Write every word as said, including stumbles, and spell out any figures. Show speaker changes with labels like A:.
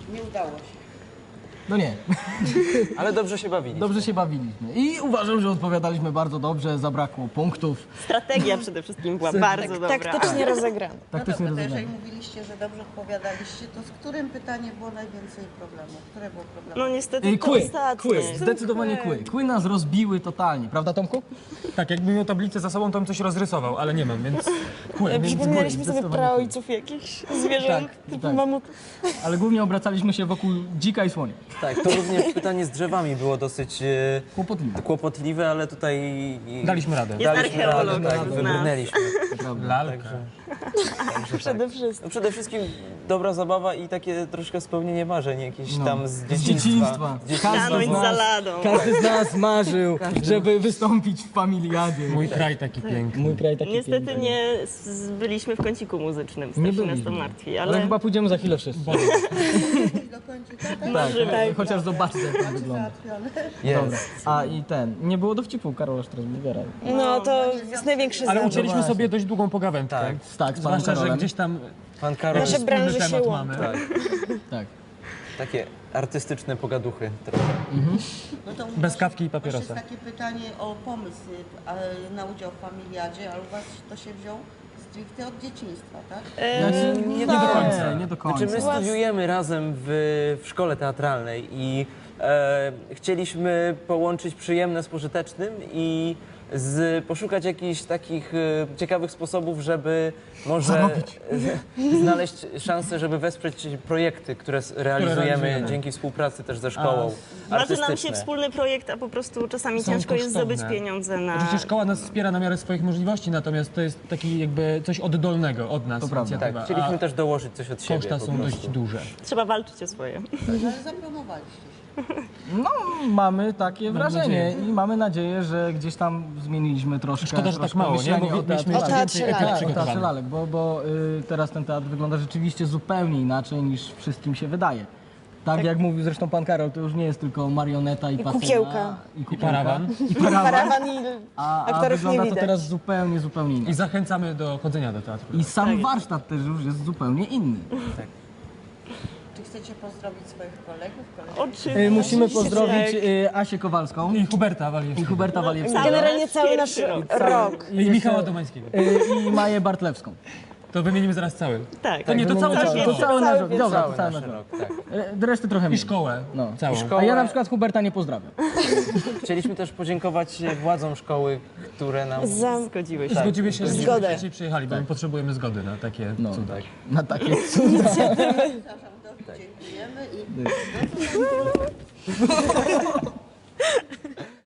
A: Nie udało się.
B: No nie.
C: Ale dobrze się bawiliśmy.
B: Dobrze się bawiliśmy. I uważam, że odpowiadaliśmy bardzo dobrze, zabrakło punktów.
D: Strategia przede wszystkim była
B: Tak,
D: bardzo dobra.
E: Taktycznie rozegrane.
A: No
B: Taktycznie
A: dobra, to jeżeli
B: rozumiałem.
A: mówiliście, że dobrze odpowiadaliście, to z którym pytaniem było najwięcej problemów? Które było problemem?
D: No niestety
B: Ej,
D: to
B: Kły,
D: ostatnie.
B: kły, zdecydowanie kły. Kły nas rozbiły totalnie, prawda Tomku?
F: Tak, jakbym miał tablicę za sobą, to bym coś rozrysował, ale nie mam, więc kły, więc
D: Przypomnieliśmy sobie
B: zdecydowanie
D: praojców jakichś zwierząt,
B: Tak,
D: typu
B: tak.
D: mamut.
B: Ale głównie obracaliśmy się wokół dzika i słonia.
C: Tak, to również pytanie z drzewami było dosyć e,
B: Kłopotliwe.
C: kłopotliwe, ale tutaj...
F: daliśmy radę.
D: Jest
C: Daliśmy
D: archeolog
C: radę, tak,
D: z nas.
C: wybrnęliśmy.
F: Lalka.
D: Przede wszystkim.
C: No przede wszystkim dobra zabawa i takie troszkę spełnienie marzeń jakieś
B: No.
C: tam z
B: Z
C: dzieciństwa.
B: dzieciństwa.
C: Z dzieciństwa.
D: Stanąć za ladą.
B: Każdy z nas marzył, żeby wystąpić w familiadzie.
F: Mój kraj taki piękny.
B: Mój kraj taki
D: Niestety
B: piękny.
D: nie z- byliśmy w kąciku muzycznym,
B: Nie
D: strasznie nas to
B: byliśmy.
D: martwi,
B: Ale
D: ale
B: chyba pójdziemy za chwilę wszyscy.
A: Do końca, tak?
B: Tak, chociaż zobaczcie jak to wygląda.
A: Załatwione.
B: Dobra.
C: Jest.
B: A i ten, nie było dowcipu Karola Strasburgera.
E: No to jest największy
F: Ale
E: zawód.
F: ucięliśmy
B: właśnie.
F: sobie dość długą pogawędkę.
C: Tak.
B: Tak, z panem
F: Zwłaszcza, że
B: Karolem.
F: gdzieś tam
C: Pan Karol,
E: Nasze
F: wspólny
E: branże się
F: temat
E: łączą.
F: mamy.
C: tak,
B: Tak.
C: takie artystyczne pogaduchy trochę.
A: No to u
F: Bez
A: was-
F: kawki i
A: u was
F: papierosa.
A: jest takie pytanie o pomysł a, na udział w familiadzie, ale u was to się wziął stricte od dzieciństwa, tak?
B: Znaczy, nie, do końca. Nie do końca.
C: Znaczy my studiujemy razem w, w szkole teatralnej i e, chcieliśmy połączyć przyjemne z pożytecznym i z, poszukać jakichś takich e, ciekawych sposobów, żeby może
B: Zarobić.
C: e, znaleźć szansę, żeby wesprzeć projekty, które s- realizujemy,
F: realizujemy.
C: dzięki współpracy też ze szkołą
D: marzy nam się
C: artystyczne.
D: wspólny projekt, a po prostu czasami
F: Są
D: ciężko jest
F: kosztowne.
D: zdobyć pieniądze na...
F: Oczywiście szkoła nas wspiera na miarę swoich możliwości, natomiast to jest taki jakby coś oddolnego od nas.
B: To prawda.
F: inicjatywa,
C: Tak, chcieliśmy
F: a
C: też dołożyć coś od siebie
F: koszta
C: po
F: są
C: prostu.
F: dość duże.
D: Trzeba walczyć o swoje.
A: Ale zapromowaliście się.
B: No, mamy takie
F: Mam
B: wrażenie
F: nadzieję.
B: i mamy nadzieję, że gdzieś tam zmieniliśmy troszkę.
F: Szkoda, że tak
B: troszkę
F: mało, nie?
B: myślenie
F: Bo
B: o
F: mieliśmy
B: teatrze.
E: O
F: jeszcze więcej
E: teatrze
F: ekip
E: lalek.
B: Tak, o teatrze
F: przygotowanych.
B: lalek, bo, bo y, teraz ten teatr wygląda rzeczywiście zupełnie inaczej niż wszystkim się wydaje. Tak, jak mówił zresztą pan Karol, to już nie jest tylko marioneta i, patyna,
E: kukiełka.
B: I, kukiełka,
F: parawan.
B: I parawan.
E: Parawan i
B: A, a
E: aktorów nie
B: wygląda to
E: widać.
B: teraz zupełnie, zupełnie
F: I
B: inaczej.
F: zachęcamy do chodzenia do teatru.
B: I sam warsztat też już jest zupełnie inny.
A: Czy chcecie pozdrowić swoich kolegów, koleżanki?
D: Oczywiście.
B: Y, musimy pozdrowić
D: Tak.
B: y, Asię Kowalską
F: I Huberta
B: i
F: Waliewskiego.
B: Huberta Waliewskiego
E: Generalnie cały nasz
D: Pierwszy rok.
E: rok.
F: I Michała Domańskiego.
B: y, i Maję Bartlewską.
F: To wymienimy zaraz cały.
D: Tak.
F: To nie, to cały
B: Wymieniamy
F: nasz
B: to
F: rok.
B: cały nasz rok.
E: Cały
B: Dobra, to
C: Cały
B: cały
C: nasz
B: nasz rok.
C: rok, tak.
B: Y, Resztę trochę
F: I
B: mniej.
F: szkołę.
B: No.
F: Całą.
C: szkołę.
B: A ja na przykład Huberta nie pozdrawiam.
C: Chcieliśmy też podziękować władzom szkoły, które nam...
E: Za...
D: Zgodziłeś
F: I
D: się.
F: zgodziły się, żebyśmy
E: Zgodę.
F: dzisiaj przyjechali, bo my potrzebujemy zgody na takie
B: No.
F: cuda.
B: Na takie cuda.
A: Przepraszam, dobrze, dziękujemy i...